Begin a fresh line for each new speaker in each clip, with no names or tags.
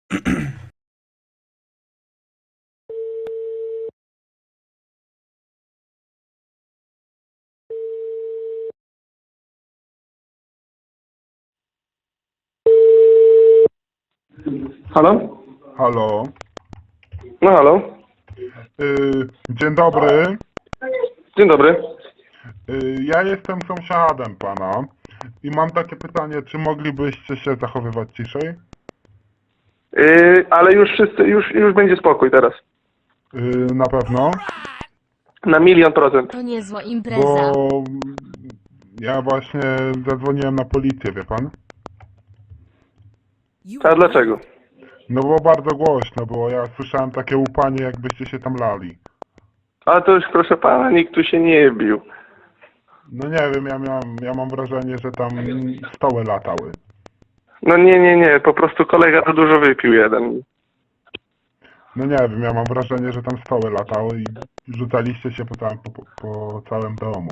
Halo?
Halo.
No halo.
Dzień dobry.
Dzień dobry.
Ja jestem sąsiadem pana i mam takie pytanie, czy moglibyście się zachowywać ciszej?
Ale już wszyscy, już będzie spokój teraz.
Na pewno,
Na 1.000.000%.
To niezła impreza.
bo ja właśnie zadzwoniłem na policję, wie pan?
A dlaczego?
No bo bardzo głośno było, ja słyszałem takie łupanie, jakbyście się tam lali.
Ale to już proszę pana, nikt tu się nie bił.
No nie wiem, ja mam wrażenie, że tam stoły latały.
No nie, po prostu kolega to dużo wypił jeden.
No nie wiem, ja mam wrażenie, że tam stoły latały i rzucaliście się po całym domu.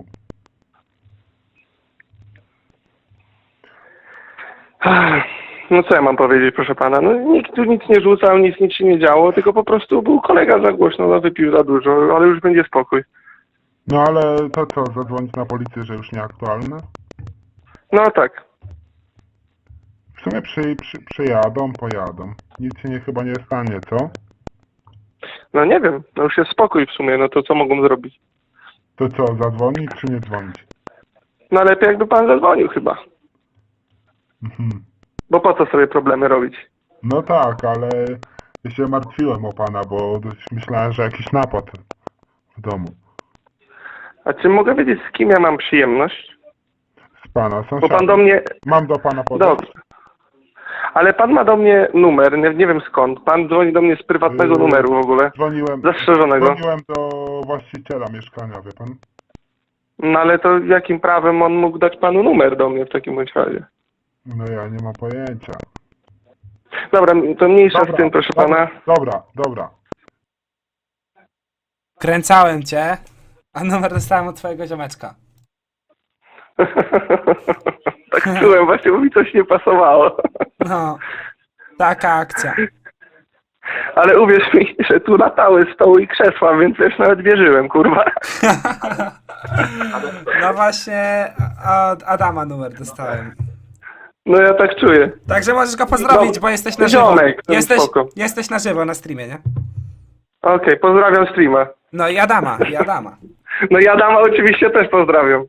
No co ja mam powiedzieć, proszę pana? No nikt tu nic nie rzucał, nic się nie działo, tylko po prostu był kolega za głośno, no wypił za dużo, ale już będzie spokój.
No ale to co, zadzwonić na policję, że już nieaktualne?
No tak.
W sumie przyjadą, pojadą. Nic się chyba nie stanie, co?
No nie wiem, no już jest spokój w sumie, no to co mogą zrobić?
To co, zadzwonić czy nie dzwonić?
No lepiej jakby pan zadzwonił chyba.
Mhm.
Bo po co sobie problemy robić?
No tak, ale ja się martwiłem o pana, bo myślałem, że jakiś napad w domu.
A czy mogę wiedzieć, z kim ja mam przyjemność?
Z pana,
Bo
sąsiada.
pan do mnie...
Mam do pana podać?
Dobrze. Ale pan ma do mnie numer, nie wiem skąd. Pan dzwoni do mnie z prywatnego numeru w ogóle. Zastrzeżonego.
Dzwoniłem do właściciela mieszkania, wie pan?
No ale to jakim prawem on mógł dać panu numer do mnie w takim bądź razie?
No ja nie mam pojęcia.
Dobra, to mniejsza z tym, proszę pana.
Dobra.
Kręcałem cię, a numer dostałem od twojego ziomeczka.
Tak czułem, właśnie bo mi coś nie pasowało.
No, taka akcja.
Ale uwierz mi, że tu latały stoły i krzesła, więc też nawet wierzyłem, kurwa.
No właśnie, od Adama numer dostałem.
No ja tak czuję.
Także możesz go pozdrowić,
No,
bo jesteś na żywo.
ziomek, to spoko.
Jesteś na żywo na streamie, nie?
Okej, pozdrawiam streama.
No i Adama.
No ja Adama oczywiście też pozdrawiam.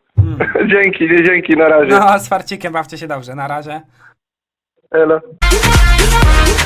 Dzięki, na razie.
No, z farcikiem bawcie się dobrze, na razie.
Elo.